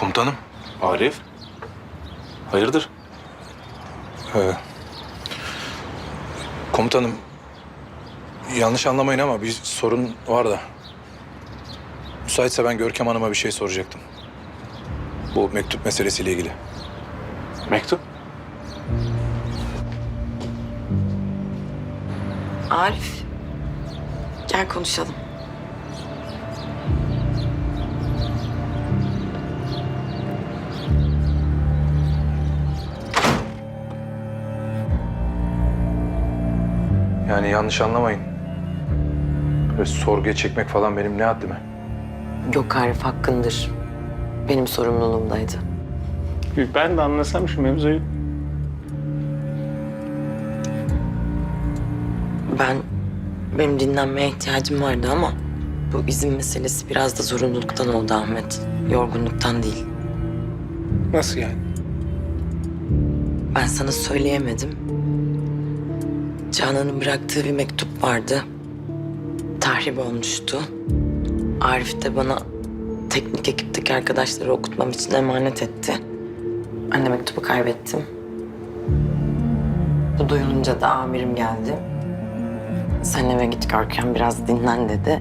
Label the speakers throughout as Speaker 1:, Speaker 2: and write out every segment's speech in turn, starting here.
Speaker 1: Komutanım.
Speaker 2: Arif. Hayırdır?
Speaker 1: Komutanım. Yanlış anlamayın ama bir sorun var da. Müsaitse ben Görkem Hanım'a bir şey soracaktım. Bu mektup meselesiyle ilgili.
Speaker 2: Mektup?
Speaker 3: Arif, gel konuşalım.
Speaker 1: Yani yanlış anlamayın. Böyle sorguya çekmek falan benim ne haddime?
Speaker 3: Yok Arif, hakkındır. Benim sorumluluğumdaydı.
Speaker 2: Ben de anlasam şu mevzuyu.
Speaker 3: Benim dinlenmeye ihtiyacım vardı ama bu izin meselesi biraz da zorunluluktan oldu Ahmet. Yorgunluktan değil.
Speaker 2: Nasıl yani?
Speaker 3: Ben sana söyleyemedim. Canan'ın bıraktığı bir mektup vardı. Tahrip olmuştu. Arif de bana teknik ekipteki arkadaşları okutmam için emanet etti. Ben de mektubu kaybettim. Bu duyulunca da amirim geldi. Sen eve git Görkem, biraz dinlen dedi.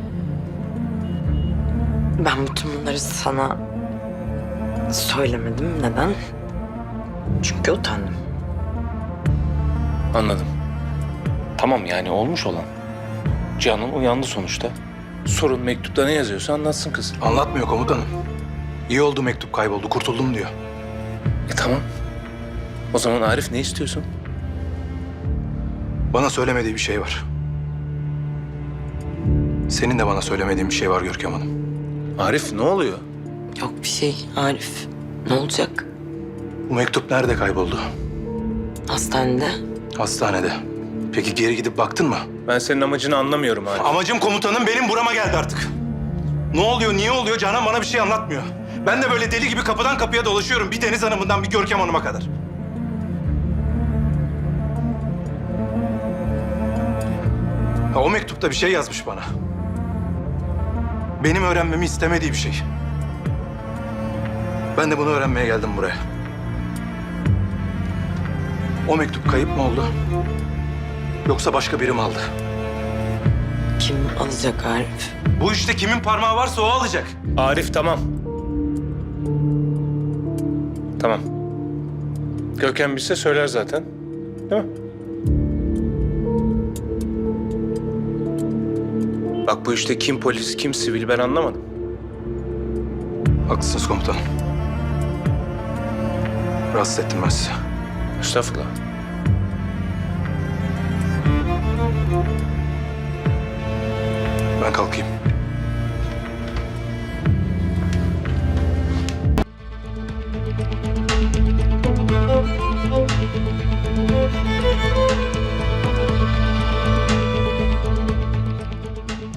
Speaker 3: Ben bütün bunları sana söylemedim. Neden? Çünkü utandım.
Speaker 2: Anladım. Tamam yani olmuş olan. Canan uyandı sonuçta. Sorun mektupta ne yazıyorsa anlatsın kız.
Speaker 1: Anlatmıyor komutanım. İyi oldu mektup kayboldu, kurtuldum diyor.
Speaker 2: Tamam. O zaman Arif ne istiyorsun?
Speaker 1: Bana söylemediği bir şey var. Senin de bana söylemediğin bir şey var Görkem Hanım.
Speaker 2: Arif ne oluyor?
Speaker 3: Yok bir şey Arif. Ne olacak?
Speaker 1: Bu mektup nerede kayboldu?
Speaker 3: Hastanede.
Speaker 1: Hastanede. Peki geri gidip baktın mı?
Speaker 2: Ben senin amacını anlamıyorum Arif.
Speaker 1: Amacım komutanım benim burama geldi artık. Ne oluyor, niye oluyor? Canan bana bir şey anlatmıyor. Ben de böyle deli gibi kapıdan kapıya dolaşıyorum. Bir Deniz Hanım'ından bir Görkem Hanım'a kadar. Ha, o mektupta bir şey yazmış bana. Benim öğrenmemi istemediği bir şey. Ben de bunu öğrenmeye geldim buraya. O mektup kayıp mı oldu? Yoksa başka biri mi aldı?
Speaker 3: Kim alacak Arif?
Speaker 1: Bu işte kimin parmağı varsa o alacak.
Speaker 2: Arif tamam. Tamam. Görkem bilse söyler zaten. Değil mi? Bak bu işte kim polis, kim sivil ben anlamadım.
Speaker 1: Haklısınız komutanım. Rahatsız ettim ben sizi.
Speaker 2: Estağfurullah.
Speaker 1: Ben kalkayım.